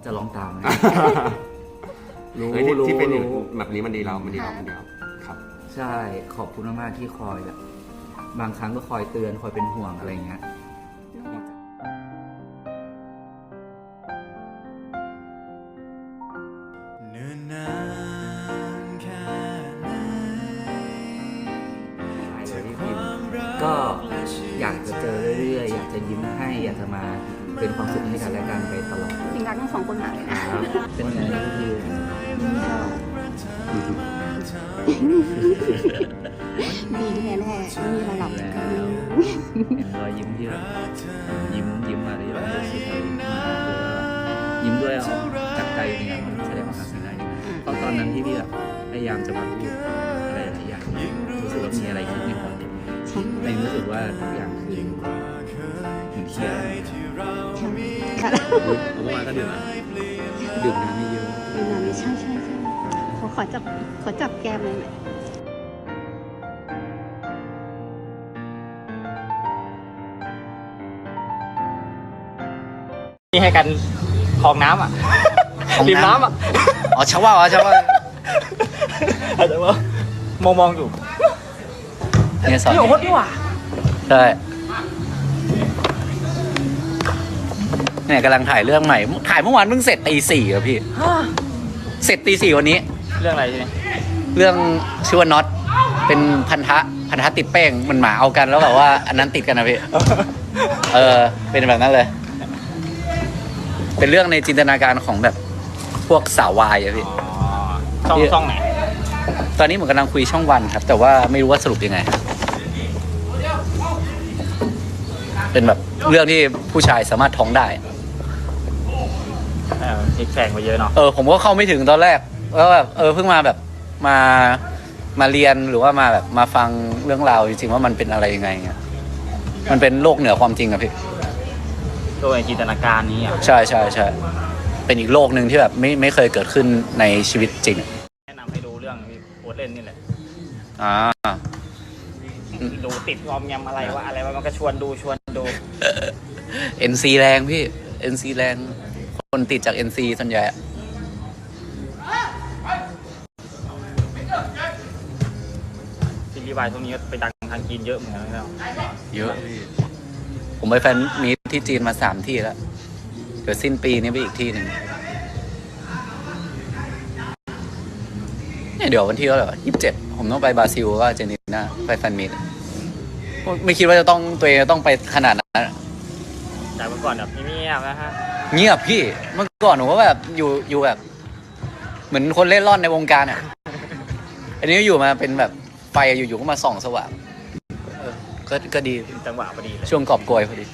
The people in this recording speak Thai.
จะร้องตามไหม รู้ที่เป็นอย่างแบบนี้มันดีเราครับใช่ขอบคุณมากๆที่คอยแบบบางครั้งก็คอยเตือนคอยเป็นห่วงอะไรเงี้ยเนิ่นนานแค่ไหนก็อยากจะเจอเรื่อยๆอยากจะยิ้มให้อยากจะมาเป็นความสุขให้กันและกันไปตลอดจริงรักทั้งสองคนมากเลยนะเป็นไงก็คือดีแน่ๆไม่มีอะไรหรอกแล้วเห็นรอยยิ้มที่แบบยิ้มมาเลยแบบรู้สึกยิ้มด้วยเอาจากใจจริงๆมันแสดงความสิ่งใดเพราะตอนนั้นที่พี่แบบพยายามจะมาพูดอะไรหลายอย่างรู้สึกว่ามีอะไรคิดในหัวแต่รู้สึกว่าทุกอย่างคือเหมือนเคลียร์เมื่อวานก็ดื่มน้ำไม่เยอะใช่ขอจับแก้มเลยหน่อยนี่ให้กันคลองน้ำอ่ะริมน้ำอ่ะอ๋อชาวว่าอาจจะว่ามองอยู่เนี่ยสอนนี่ของคนดีกว่าใช่เนี่ยกำลังถ่ายเรื่องใหม่ถ่ายเมื่อวานเพิ่งเสร็จตี 4อ่ะพี่เสร็จตี 4วันนี้เรื่องอะไรใช่ไหมเรื่องชื่อว่าน็อตเป็นพันธะติดแป้งมันหมาเอากันแล้วแบบว่าอันนั้นติดกันนะพี่ เป็นแบบนั้นเลย เป็นเรื่องในจินตนาการของแบบพวกสาววายอะพี่ช่องไหนตอนนี้เหมือนกำลังคุยช่องวันครับ แต่ว่าไม่รู้ว่าสรุปยังไง เป็นแบบเรื่องที่ผู้ชายสามารถท้องได้พลิกแพงไปเยอะเนาะผมก็เข้าไม่ถึงตอนแรกแล้วแบบเพิ่งมาแบบมาเรียนหรือว่ามาแบบมาฟังเรื่องราวจริงๆว่ามันเป็นอะไรยังไงเงี้ยมันเป็นโลกเหนือความจริงอะพี่ตัวในจินตนาการนี้อ่ะใช่เป็นอีกโลกหนึ่งที่แบบไม่เคยเกิดขึ้นในชีวิตจริงแนะนำให้ดูเรื่องที่โพสต์เล่นนี่แหละ ดูติดงอมแงมอะไรวะมันก็ชวนดู NC แรงพี่ NC แรงคนติดจาก NC ส่วนใหญ่ซีรีส์วายช่วงนี้ไปดังทางจีนเยอะเหมือนกันนะเยอะพี่ผมไปแฟนมีตที่จีนมา3 ที่แล้วเดี๋ยวสิ้นปีนี้ไปอีกที่หนึ่งเนี่ยเดี๋ยววันที่เท่าไหร่27ผมต้องไปบราซิลก็อาร์เจนตินาไปแฟนมีตไม่คิดว่าตัวเองจะต้องไปขนาดนั้นจากเมื่อก่อนแบบเงียบๆนะฮะเงียบพี่เมื่อก่อนผมก็แบบอยู่แบบ เหมือนคนเล่ร่อนในวงการอ่ะ อันนี้อยู่มาเป็นแบบไฟอยู่ๆก็มาส่องสว่างก็ดีจังหวะพอดีเลยช่วงกอบโกยพอดี